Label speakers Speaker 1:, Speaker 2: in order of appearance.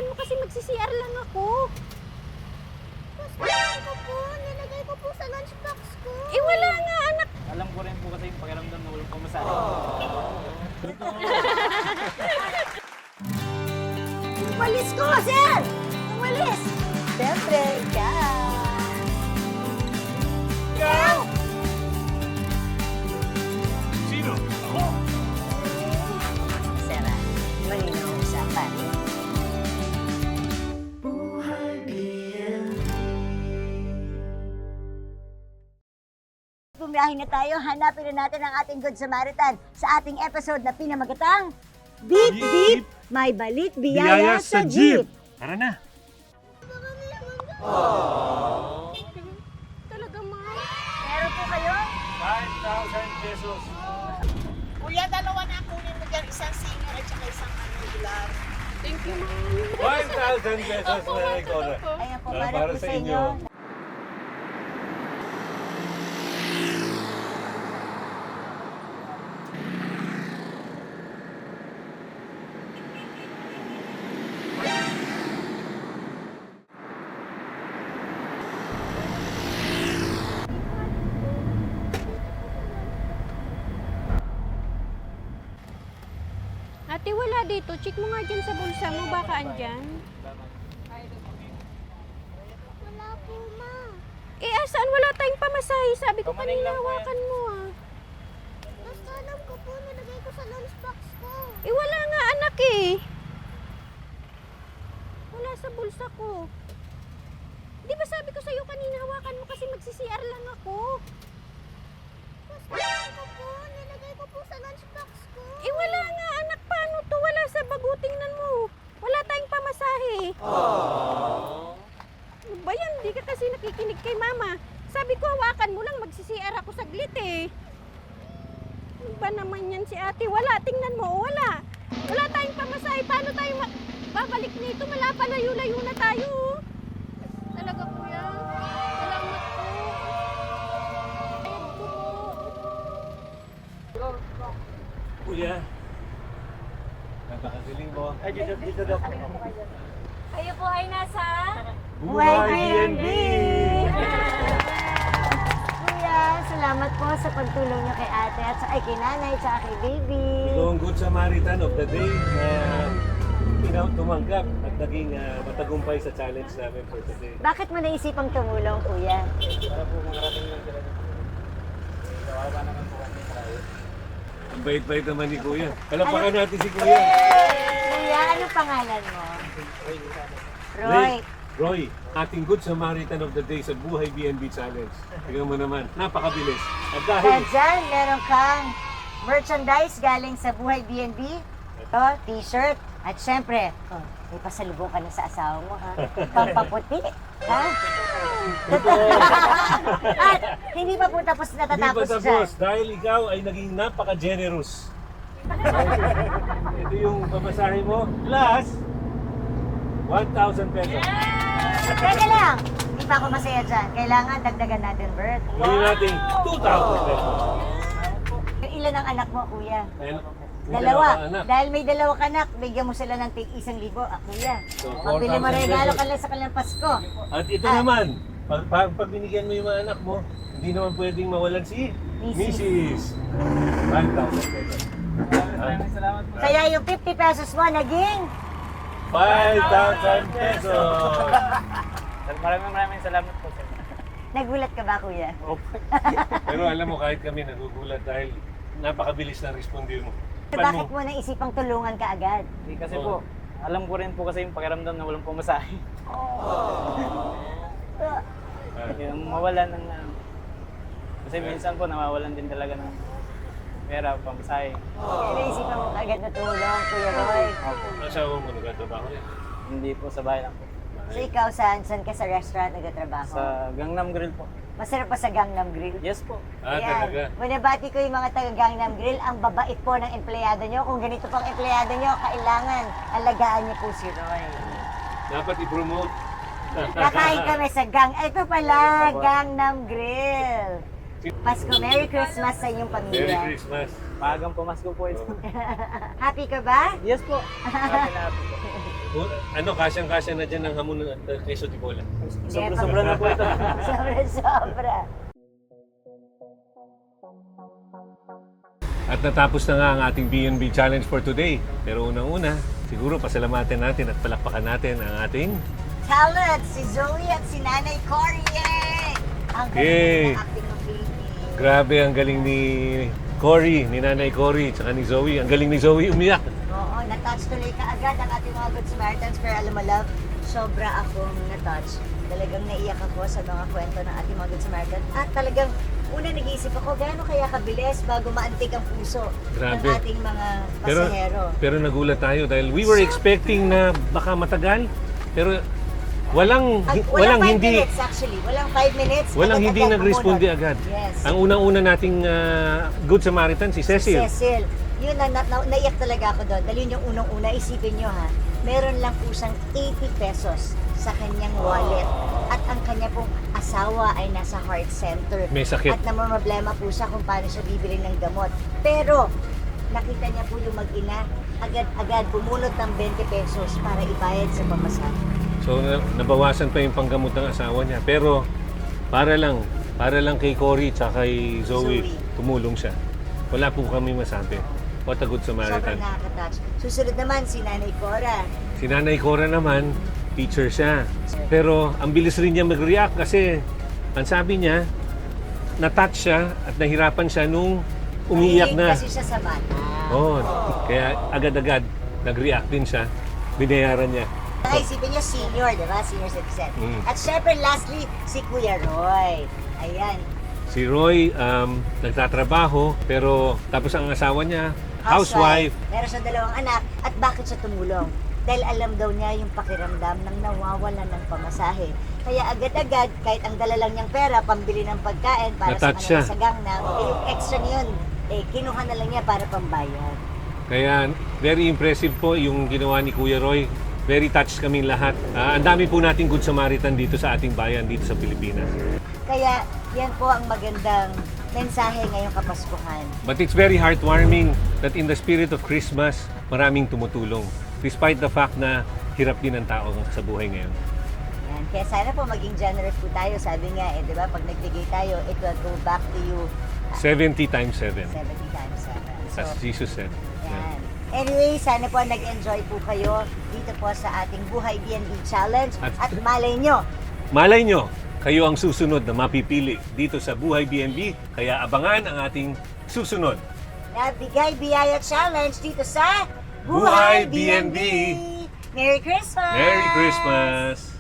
Speaker 1: hawakan mo kasi magsi-CR lang ako.
Speaker 2: Gusto ko po, nilagay ko po sa lunchbox ko.
Speaker 1: Eh wala nga anak.
Speaker 3: Alam ko rin po kasi yung pakiramdam na walang pamasahe.
Speaker 2: Walis ko, sir! Ang walis! Siyempre, ikaw! Ikaw!
Speaker 4: Sino? Ako?
Speaker 2: Sarah, malinaw ang usapan. Bumiyahin na tayo, hanapin na natin ang ating Good Samaritan sa ating episode na pinamagatang Beep Beep, May Balik Biyaya sa Jeep.
Speaker 4: Tara na.
Speaker 1: Talaga ma.
Speaker 2: Meron po kayo?
Speaker 4: 5,000 pesos.
Speaker 5: Kuya, dalawa na kunin mo dyan. Isang senior at saka isang regular.
Speaker 1: Thank you ma.
Speaker 4: 5,000 pesos na ikaw na.
Speaker 2: Ayan po,
Speaker 4: Para
Speaker 2: para po
Speaker 4: sa
Speaker 2: sa inyo.
Speaker 4: inyo.
Speaker 1: Ate, wala dito. Check mo nga dyan sa bulsa mo. Baka andyan.
Speaker 2: Wala po, ma.
Speaker 1: Eh, asaan? Wala tayong pamasahe. Sabi ko
Speaker 3: Kamaning
Speaker 1: kanina,
Speaker 3: lang po yan.
Speaker 1: hawakan mo ah.
Speaker 2: Basta alam ko po, nilagay ko sa lunchbox ko.
Speaker 1: Eh, wala nga anak eh. Wala sa bulsa ko. Di ba sabi ko sa'yo kanina, hawakan mo kasi magsi-CR lang ako.
Speaker 2: Basta ko po, nilagay ko po sa lunchbox ko.
Speaker 1: Eh, wala nga anak. Paano to? Wala sa bag. Tingnan mo. Wala tayong pamasahe. Ano ba yan? Di ka kasi nakikinig kay mama. Sabi ko, hawakan mo lang. Magsi-CR ako saglit eh. Ano ba naman yan si ate? Wala. Tingnan mo. Wala. Wala tayong pamasahe. Paano tayo babalik nito? Wala pa. Layo-layo na tayo. Talaga kuya. Salamat po. Ayun po po.
Speaker 4: Kuya. Napakagaling mo.
Speaker 3: Ay, dito daw.
Speaker 1: Kayo po ay nasa...
Speaker 2: YBNB! Kuya, salamat po sa pagtulong niyo kay ate at sa kay nanay at kay baby.
Speaker 4: Ikaw ang Good Samaritan of the Day na tumanggap at naging matagumpay sa challenge namin for today.
Speaker 2: Bakit mo naisipang tumulong, kuya?
Speaker 3: Para po makarating lang sila dito. Kawawa naman po kami sa kayo.
Speaker 4: Ang bait-bait naman ni Kuya. Palapakan natin si Kuya.
Speaker 2: Kuya, ano pangalan mo? Roy.
Speaker 4: Roy, ating Good Samaritan of the Day sa Buhay BNB Challenge. Tingnan mo naman, napakabilis. At
Speaker 2: Kaya
Speaker 4: dahil
Speaker 2: dyan, meron kang merchandise galing sa Buhay BNB. Ito, t-shirt. At syempre, may pasalubong ka na sa asawa mo, ha? Pampaputi, ha? At hindi pa po tapos
Speaker 4: hindi pa
Speaker 2: natatapos dyan.
Speaker 4: tapos, dahil ikaw ay naging napaka-generous. Ito yung pamasahe mo, plus 1,000 pesos.
Speaker 2: Teka lang, hindi pa ako masaya dyan. Kailangan dagdagan natin, Bert.
Speaker 4: Hindi natin 2,000 pesos.
Speaker 2: Yung ilan ang anak mo, kuya?
Speaker 4: Dahil may
Speaker 2: Dalawa.
Speaker 4: ka anak.
Speaker 2: Dahil may dalawang anak, bigyan mo sila ng tig 1,000. Kuya,
Speaker 4: So,
Speaker 2: pabili mo
Speaker 4: 4,000
Speaker 2: regalo
Speaker 4: pesos.
Speaker 2: ka lang sa kanilang Pasko.
Speaker 4: At ito naman, pag binigyan mo yung mga anak mo, hindi naman pwedeng mawalan si
Speaker 2: Mrs.
Speaker 4: 1,000 pesos.
Speaker 3: Maraming salamat po.
Speaker 2: Kaya yung 50 pesos mo naging
Speaker 4: 5,000 pesos!
Speaker 3: Maraming salamat po sir.
Speaker 2: nagulat ka ba, kuya?
Speaker 4: Pero alam mo, kahit kami nagugulat dahil napakabilis na respondir mo.
Speaker 2: Bakit mo naisipang tulungan ka agad?
Speaker 3: Hindi kasi po, alam ko rin po kasi yung pakiramdam na walang pamasahe. Yung mawalan ng... kasi minsan po nawawalan din talaga ng pera, pamasahe.
Speaker 2: Kaya naisipan mo agad na tulong, Kuya Roy.
Speaker 4: Asawa mo nagtatrabaho rin.
Speaker 3: Hindi po sa bahay lang po.
Speaker 2: So ikaw, saan ka sa restaurant nagtatrabaho?
Speaker 3: Sa Gangnam Grill po.
Speaker 2: Masarap pa sa Gangnam Grill.
Speaker 3: Yes po.
Speaker 4: Talaga.
Speaker 2: Binabati ko yung mga taga Gangnam Grill. Ang babait po ng empleyado nyo. Kung ganito pang empleyado nyo, kailangan alagaan niyo po si Roy.
Speaker 4: Dapat i-promote.
Speaker 2: Kakain kami sa Ito pala, Gangnam Grill. Pasko, Merry Christmas sa inyong
Speaker 4: Merry
Speaker 2: pamilya.
Speaker 4: Christmas.
Speaker 3: Maagang pumasko po ito.
Speaker 2: Happy ka ba?
Speaker 3: Yes po. Happy na happy po.
Speaker 4: Kasyang-kasya na dyan ang hamon ng queso de bola.
Speaker 3: Sobra-sobra na po ito.
Speaker 2: Sobra-sobra.
Speaker 4: At natapos na nga ang ating B&B Challenge for today. Pero unang-una, siguro pasalamatan natin at palakpakan natin ang ating
Speaker 2: Talent, si Zoe at si Nanay Cory. Yay! Ang
Speaker 4: Yay!
Speaker 2: galing ng acting ng Philippines.
Speaker 4: grabe ang galing ni Cory, ni Nanay Cory, tsaka ni Zoe. Ang galing ni Zoe umiyak.
Speaker 2: Oo, na-touch tuloy ka agad ang ating mga Good Samaritans. Pero alam mo, love, sobra akong na-touch. Talagang naiyak ako sa mga kwento ng ating mga Good Samaritans. At talagang, una nag-iisip ako, gaano kaya kabilis bago maantig ang puso
Speaker 4: Grabe.
Speaker 2: ng ating mga pasahero.
Speaker 4: Pero nagulat tayo dahil we were expecting na baka matagal. Pero walang
Speaker 2: Walang 5
Speaker 4: hindi
Speaker 2: minutes actually. Walang 5 minutes.
Speaker 4: walang hindi
Speaker 2: agad-agad
Speaker 4: nag-responde
Speaker 2: bumunot.
Speaker 4: agad.
Speaker 2: Yes.
Speaker 4: Ang unang-una nating Good Samaritan si Cecil.
Speaker 2: Cecil. Yun, naiyak talaga ako doon. Dahil yun yung unang-una. Isipin nyo ha, meron lang po siyang 80 pesos sa kanyang wallet. At ang kanya pong asawa ay nasa heart center.
Speaker 4: May sakit.
Speaker 2: At namamroblema po siya kung paano siya bibili ng gamot. Pero, nakita niya po yung mag-ina, agad-agad bumunot ng 20 pesos para ibayad sa pamasahe.
Speaker 4: So nabawasan pa yung panggamot ng asawa niya. Pero para lang kay Cory at kay Zoe,
Speaker 2: Zoe.
Speaker 4: tumulong siya. Wala po kami masabi. What a Good
Speaker 2: Sobrang
Speaker 4: Samaritan.
Speaker 2: nakaka-touch. Susunod naman si Nanay Cora.
Speaker 4: Si Nanay Cora naman, teacher siya. Pero ang bilis rin niya mag-react kasi ang sabi niya, na-touch siya at nahirapan siya nung umiiyak
Speaker 2: Mahilig
Speaker 4: na.
Speaker 2: kasi siya sa bata.
Speaker 4: Oh, kaya agad-agad nag-react din siya. Binayaran niya.
Speaker 2: Isipin niyo senior, di ba? Senior citizen.
Speaker 4: Mm.
Speaker 2: At syempre, lastly, si Kuya Roy. Ayan.
Speaker 4: Si Roy, nagtatrabaho, pero tapos ang asawa niya, housewife.
Speaker 2: Meron siyang 2 anak. At bakit siya tumulong? Dahil alam daw niya yung pakiramdam ng nawawalan ng pamasahe. Kaya agad-agad, kahit ang dala lang niyang pera, pambili ng pagkain para sa
Speaker 4: Na-touch siya.
Speaker 2: kanila sa gangnam, yung extra niyon, kinuha na lang niya para pambayad.
Speaker 4: Kaya very impressive po yung ginawa ni Kuya Roy. Very touched kami lahat. Ang dami po nating Good Samaritan dito sa ating bayan, dito sa Pilipinas.
Speaker 2: Kaya yan po ang magandang mensahe ngayong Kapaskuhan.
Speaker 4: But it's very heartwarming that in the spirit of Christmas, maraming tumutulong. Despite the fact na hirap din ang tao sa buhay ngayon.
Speaker 2: Yan. Kaya sana po maging generous po tayo. Sabi nga, di ba, pag nagbigay tayo, it will go back to you
Speaker 4: 70 times 7,
Speaker 2: 70 times 7.
Speaker 4: as Jesus said.
Speaker 2: Yan. Anyway, sana po nag-enjoy po kayo dito po sa ating Buhay B&B Challenge. At malay nyo,
Speaker 4: Malay nyo, kayo ang susunod na mapipili dito sa Buhay B&B, kaya abangan ang ating susunod.
Speaker 2: na Bigay Biyaya Challenge dito sa
Speaker 4: Buhay B&B.
Speaker 2: Merry Christmas!
Speaker 4: Merry Christmas!